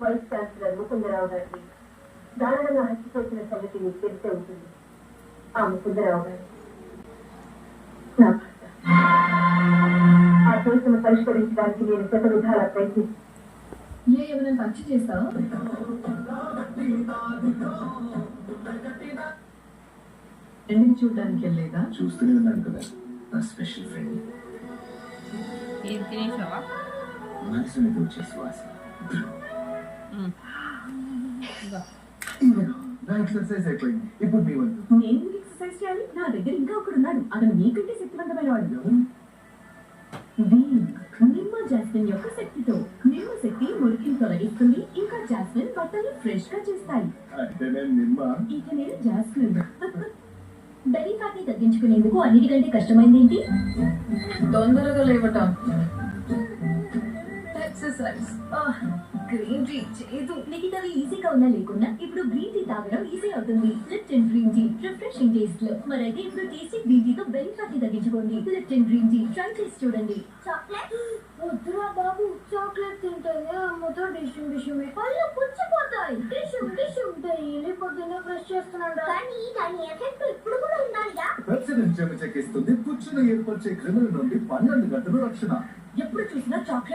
Vice chancellor Mukundarao గారికి దారుణంగా హత్య చేసిన సంగతి మీకు తెలిసే ఉంటుంది. ఆ ముకుందరావు గారు నా భర్త. ఆ కేసును పరిష్కరించడానికి నేను శత విధాలా ప్రయత్నిస్తాను. ఏమైనా ఖర్చు చేస్తావా? ఫ్రెండ్ని చూడడానికి వెళ్ళలేదా? చూస్తూనే ఉన్నాను కదా నా స్పెషల్ ఫ్రెండ్. ఏం తినేసావా? మనసు మీద వచ్చే శ్వాస. నా ఎక్సర్సైజ్ అయిపోయింది. ఇప్పుడు మీ వంతు. నేను ఎక్సర్సైజ్ చేయాలి. నా దగ్గర ఇంకా ఒకడున్నాడు. అతను నీకంటే శక్తివంతమైన వాడు. నిమ్మ జాస్మిన్ యొక్క శక్తితో నిమ్మ శక్తి మురికిని తొలగిస్తుంది. ఇంకా జాస్మిన్ బట్టలు ఫ్రెష్ గా చేస్తాయి. అంటే నేను నిమ్మ. ఇక నేను జాస్మిన్. బెరీ ఫ్యాట్ని తగ్గించుకునేందుకు అన్నిటికంటే కష్టమైంది ఏంటి? తొందరగా లేవటం. ఎక్సర్సైజ్. గ్రీన్ టీ చేదు. మిగతావి ఈజీగా ఉన్నా లేకున్నా ఇప్పుడు గ్రీన్ టీ తాగడం ఈజీ అవుతుంది. Lipton green tea refreshing taste లో. మరైతే ఇప్పుడు టేస్టీ గ్రీన్ టీతో బెరీ ఫ్యాట్ ని తగ్గించుకోండి. లిప్టన్ గ్రీన్ టీ ట్రై చేసి చూడండి. చాక్లెట్ వద్దురా బాబు. చాక్లెట్ తింటేనే అమ్మతో డిష్యూమే పళ్ళు పుచ్చిపోతాయి. డిష్యూ డైలీ పొద్దున్న బ్రష్ చేస్తున్నాడు. కానీ దాని ఎఫెక్ట్ ఇప్పుడు కూడా ఉండాలిగా. ప్రతిదినం చెక్కిస్తుంది. పుచ్చును ఏర్పరిచే క్రిముల నుండి 12 గంటలు రక్షణ. ఎప్పుడు చూసినా చాక్లెట్